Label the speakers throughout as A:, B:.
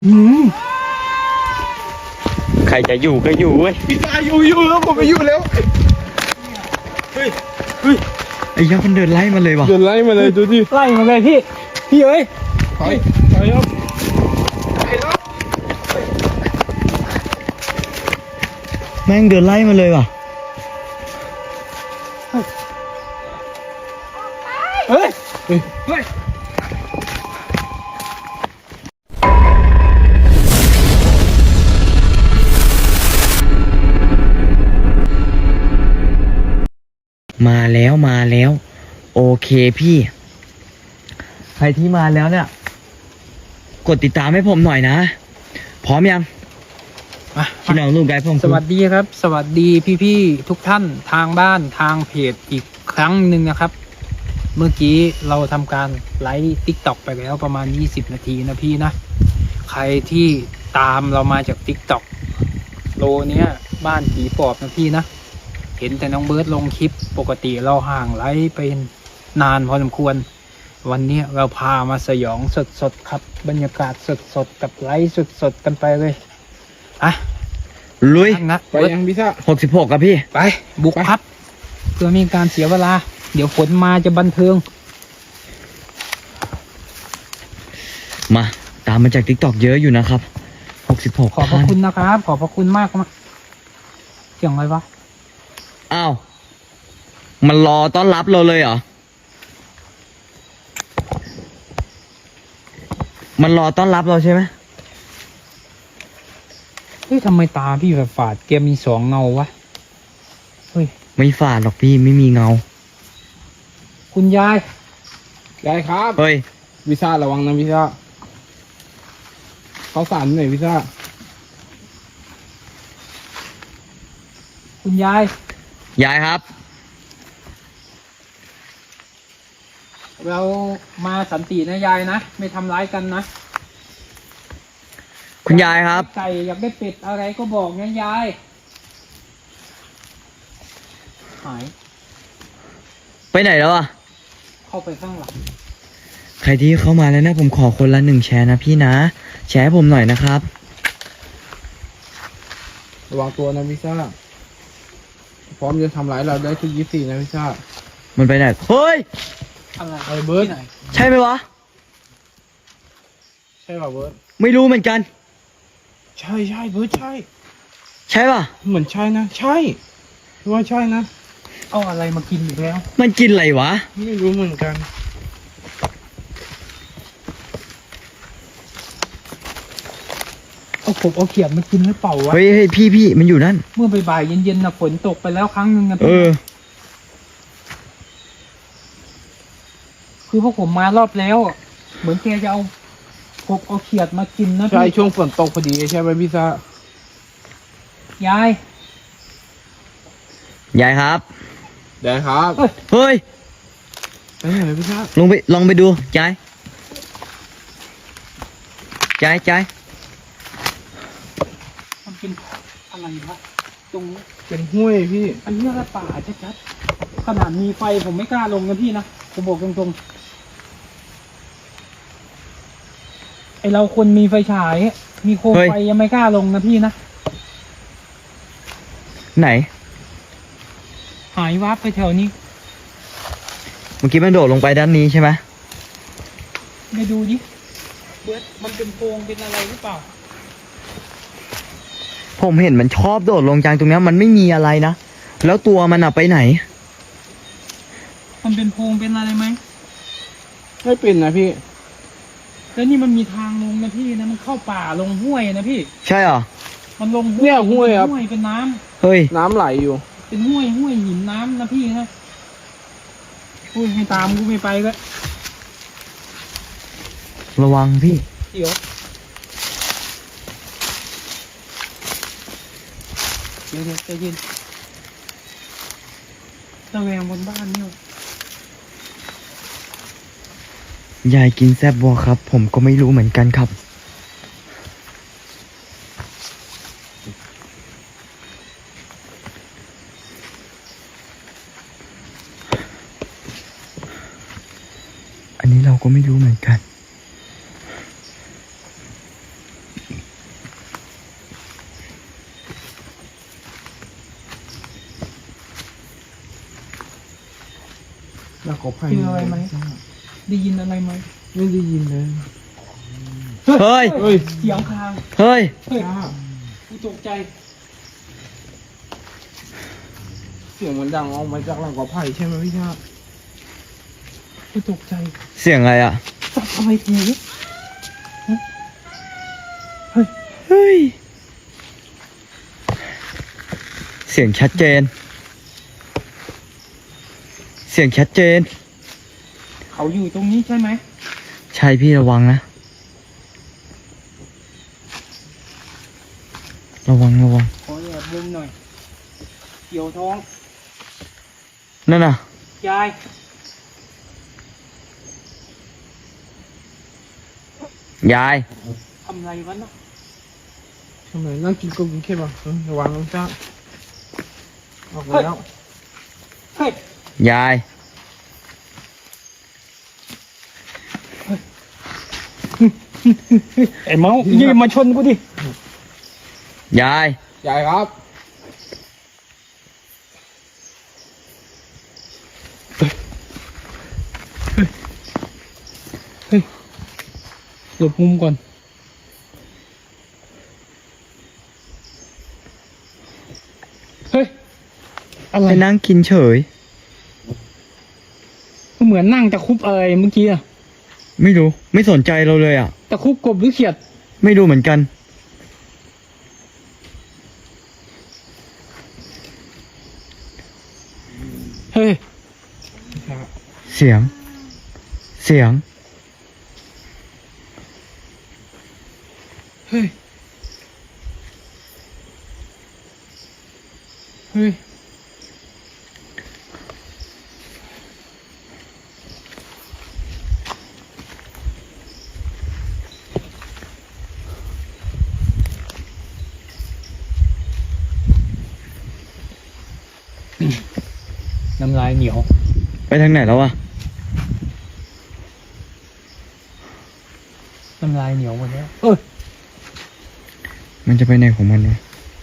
A: ใครจะอยู่ก็อยู่เว้ย
B: พี่ชายอยู่แล้วผมไปอยู่แล้วเฮ้ย
A: ไอ้ยักษ์มันเดินไล่มาเลยวะ
B: เดินไล่มาเลยดูดิ
C: ไล่มาเลยพี่เอ้ย
B: ถอยครับ
A: แม่งเดินไล่มาเลยวะ
C: เฮ้ย
A: มาแล้วโอเคพี่ใครที่มาแล้วเนี่ยกดติดตามให้ผมหน่อยนะพร้อมยังพี่น้องลูกไกด์ผม
C: สวัสดีครับ สวัสดีพี่ๆทุกท่านทางบ้านทางเพจอีกครั้งหนึ่งนะครับ เมื่อกี้เราทำการไลฟ์ติ๊กต็อกไปแล้วประมาณ20 นาทีนะพี่นะใครที่ตามเรามาจากติ๊กต็อกโลเนี้ยบ้านผีปอบนะพี่นะเห็นแต่น้องเบิร์ดลงคลิปปกติเราห่างไลฟ์ไปนานพอสมควรวันนี้เราพามาสยองสดๆครับบรรยากาศสดๆกับไลฟ์สดๆกันไปเลยอ่ะ
A: ลุย
C: นะ
B: ไปยังพี่ชาย
A: 66ครับพี่
C: ไปบุกครับเพื่อไมมีการเสียเวลา เดี๋ยวฝนมาจะบันเทิง
A: มาตามมาจาก TikTok เยอะอยู่นะครับ66
C: ขอบพระคุณนะครับ ขอบพระคุณมากมากเสียงอะไรวะ
A: อ้าวมันรอต้อนรับเราเลยเหรอมันรอต้อนรับเราใช่ไหม
C: เฮ้ยทำไมตาพี่แบบฝาดแกมีสองเงาวะเฮ้ย
A: ไม่ฝาดหรอกพี่ไม่มีเงา
C: คุณยาย
B: ได้ครับ
A: เฮ้ย
B: พี่ชายระวังนะพี่ชายเขาสั่นหน่อยพี่ชาย
C: คุณยาย
A: ยายครับ
C: เรามาสันตินะยายนะไม่ทำร้ายกันนะ
A: คุณยายครับ
C: ไก่อยากได้เป็ดอะไรก็บอกนะยายหาย
A: ไปไหนแล้วอ่ะ
C: เข้าไปข้างหลัง
A: ใครที่เข้ามาแล้วนะผมขอคนละ1 แชร์นะพี่นะแชร์ให้ผมหน่อยนะครับ
B: ระวังตัวนะพี่ชายพร้อมจะทำร้ายเราได้ทุก24นะพี่ชาย
A: มันไปไหนเฮ้ย
C: อะไร
B: ไอ้เบิร์ด
C: ที่ไหน
A: ใช่ไหมวะ
B: ใช่ป่ะเบิร์ด
A: ไม่รู้เหมือนกัน
B: ใช่เบิร์ดใช่
A: ใช่ป่ะ
B: เหมือนใช่นะใช่ว่าใช่นะ
C: เอาอะไรมากินอีกแล้ว
A: มันกินอะไรวะ
B: ไม่รู้เหมือนกัน
C: เอากบเอาเขียดมากินหรือเปล่าวะ
A: เฮ้ยพี่มันอยู่นั่น
C: เมื่อบ่ายๆเย็นๆนะฝนตกไปแล้วครั้งหนึ่งนะ
A: เอ
C: พี่
A: อ
C: คือพวกผมมารอบแล้วอะเหมือนแกจะเอากบเอาเขียดมากินนะ
B: ใช่
C: พี่
B: ช่วงฝนตกพอดีใช่ไหมพี่ชาย
C: ยาย
A: ยายครับ
B: ได้ครับ
A: เฮ้ย
B: ไปไหนพี่ชาย
A: ลองไปดูยายยาย
C: มันเป็นอะไรวะตรงนี้
B: เป็นห้วยพี่
C: อันนี้อะไรป่าชัดๆขนาดมีไฟผมไม่กล้าลงนะพี่นะผมบอกตรงๆไอเราคนมีไฟฉายมีโคมไฟยังไม่กล้าลงนะพี่นะ
A: ไหน
C: หายวับไปแถวนี้
A: เมื่อกี้มันโดดลงไปด้านนี้ใช่ไหม
C: ไปดูดิเบิร์ดมันเป็นโพรงเป็นอะไรหรือเปล่า
A: ผมเห็นมันชอบโดดลงจากตรงนี้มันไม่มีอะไรนะแล้วตัวมันอะไปไหน
C: มันเป็นโพรงเป็นอะไรไหม
B: ไม่เป็นนะพี่
C: แล้วนี่มันมีทางลงนะพี่นะมันเข้าป่าลงห้วยนะพี่
A: ใช่เหรอ
C: มันลง
B: เนี่ยห้วยครับ
C: ห้วยเป็นน้ำ
A: เฮ้ย
B: น้ำไหลอยู่
C: เป็นห้วยหินน้ำนะพี่นะอุ้ยให้ตามกูไม่ไปก็
A: ระวังพี่
C: เดี๋ยวใจเย็นระแวงบนบ้านเนี่ย
A: ยายกินแซบบัวครับ ผมก็ไม่รู้เหมือนกันครับอันนี้เราก็ไม่รู้เหมือนกัน
B: แล้วก็ไผ่
C: เจออะไรไหม ได้ยินอะไรไหม
B: ไม่ได้ยินเลย
A: เฮ้ย
B: เฮ้ย
C: เสียงคาง
A: เฮ้ย
C: เฮ้ย
B: จ้า
C: กูตกใจ
B: เสียงมันดังออกมาจากหลังกอไผ่ใช่ไหมพี่ชา
C: กูตกใจ
A: เสียงอะไรอ่ะ
C: จับอะไรกู
A: เฮ้ย เสียงชัดเจน เสียงชัดเจน
C: เขาอยู่ตรงนี้ใช่ไหม
A: ใช่พี่ระวังนะ ระวัง
C: ขอแอบมุมหน่อย เกี่ยวท้อง
A: นั่นน่ะ
C: ยาย
A: ยาย
C: ทำอะไรวะน่ะ
B: ทำไมนั่งกินก็กินแค่บ่ระวังนะจ้าออกมาแล้ว
C: เฮ้ย
A: ยาย
C: ไอ้เมายืนมาชนกูดิ
A: ยาย
B: ยายครับ
C: หลบมุมก่อน เฮ้ย อะไร
A: ไปนั่งกินเฉย
C: เหมือนนั่งตะคุบอะไรเมื่อกี้อะ
A: ไม่รู้ ไม่สนใจเราเลยอ่ะ
C: ตะคุบกบหรือเขียด
A: ไม่รู้เหมือนกัน
C: เฮ้ย
A: เสียง เสียง
C: เฮ้ย เฮ้ย น้ำลายเหนียว
A: ไปทางไหนแล้วอ่ะ
C: น้ำลายเหนียวหมดแล้ว
A: มันจะไปไหนของมันวะ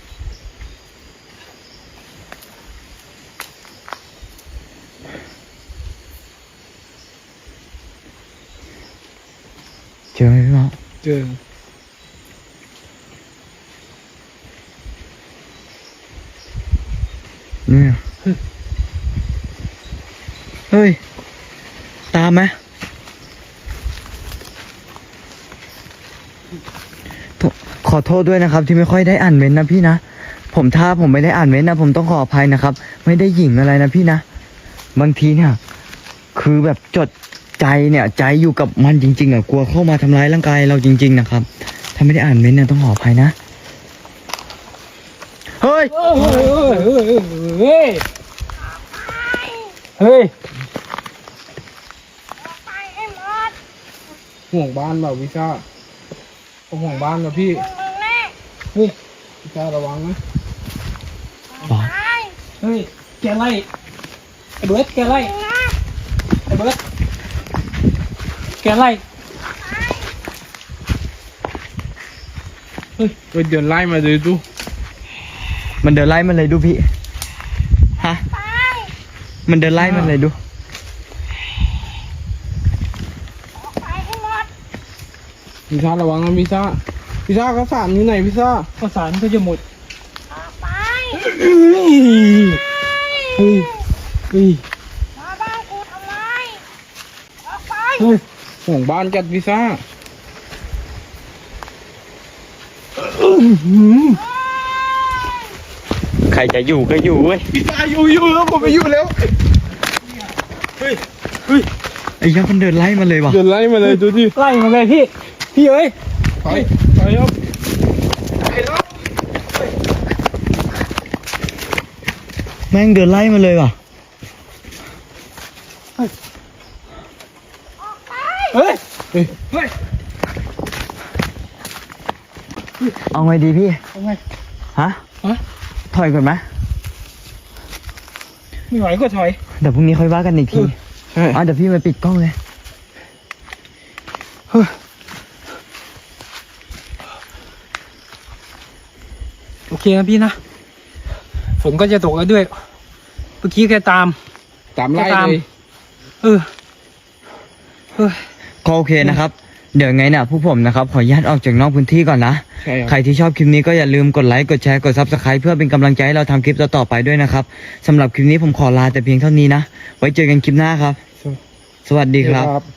A: เจอไหมพี่หมอ
B: เจอ
A: เนี่ยเฮ้ย ตามไหมขอโทษด้วยนะครับ ที่ไม่ค่อยได้อ่านเม้นต์นะพี่นะ ถ้าผมไม่ได้อ่านเม้นต์นะ ผมต้องขออภัยนะครับ ไม่ได้หยิ่งอะไรนะพี่นะ บางทีเนี่ย คือแบบจดใจเนี่ย ใจอยู่กับมันจริงๆอ่ะ กลัวเข้ามาทำร้ายร่างกายเราจริง ๆ นะครับ ถ้าไม่ได้อ่านเม้นต์เนี่ยต้องขออภัยนะ เฮ้ย
C: เฮ้ย เฮ้ย
D: ไปให้หมด
B: ห่วงบ้านเปล่าพี่ชาผมห่วงบ้านนะพี่
D: มึงแน่
B: นี่พี่ชาระวังนะ
A: บอก
D: ไป
C: เฮ้ย แกไล่ไอ้เบิร์ดแกไล่
D: มึงนะ
C: ไอ้เบิร์ดแกไล่
B: เฮ้ยเดินไล่มาเลยดู
A: มันเดินไล่มันเลยดูพี่ ฮะ
D: ไป
A: มันเดินไล่มันเลยดู
D: ไปให้หมด
B: พี่ชาระวังนะพี่ชาพี่ชาเขาสารอยู่ไหนพี่ชา
C: ข้าวสารก็จะหมด
D: ออกไป
C: เฮ้ย เฮ้ย เฮ้ย
D: มาบ้านกูทำไมออกไป
C: เฮ้ย
B: ห่วงบ้านจัดพี่ชา
A: ใครจะอยู่ก็อยู่เว้ย
B: พี่ชาอยู่แล้วผมไปอยู่แล้ว
A: ไอ้ยักษ์มันเดินไล่มันเลยว่ะ
B: เดินไล่มาเลยดูดิ
C: ไล่มาเลยพี่ พี่เอ้ย
B: ไปครับ
A: แม่งเดินไล่มันเลยว่ะ
C: เฮ้ย
B: เฮ้ย
C: เฮ้ย
A: เอาไงดีพี่
C: เอาไง
A: ฮะ
C: ฮะ
A: ถอยก่อนไหม
C: ไม่ไหวก็ถอย
A: เดี๋ยวพรุ่งนี้ค่อยว่ากันอีกที
B: ใช่
A: เดี๋ยวพี่มาปิดกล้องเลย
C: โอเคนะพี่นะ ฝนก็จะตกแล้วด้วย เมื่อกี้แกตาม
B: ตามไล่
C: ตาม
B: เลย
C: เออเออ
A: ก็โอเคนะครับ เดี๋ยวไงเนี่ยผู้ผมนะครับขออนุญาตออกจากนอกพื้นที่ก่อนนะ
B: ใช่ครับ
A: ใครที่ชอบคลิปนี้ก็อย่าลืมกดไลค์กดแชร์กด Subscribe เพื่อเป็นกำลังใจให้เราทำคลิปต่อๆไปด้วยนะครับสำหรับคลิปนี้ผมขอลาแต่เพียงเท่านี้นะไว้เจอกันคลิปหน้าครับ สวัสดีครับ
B: ครับ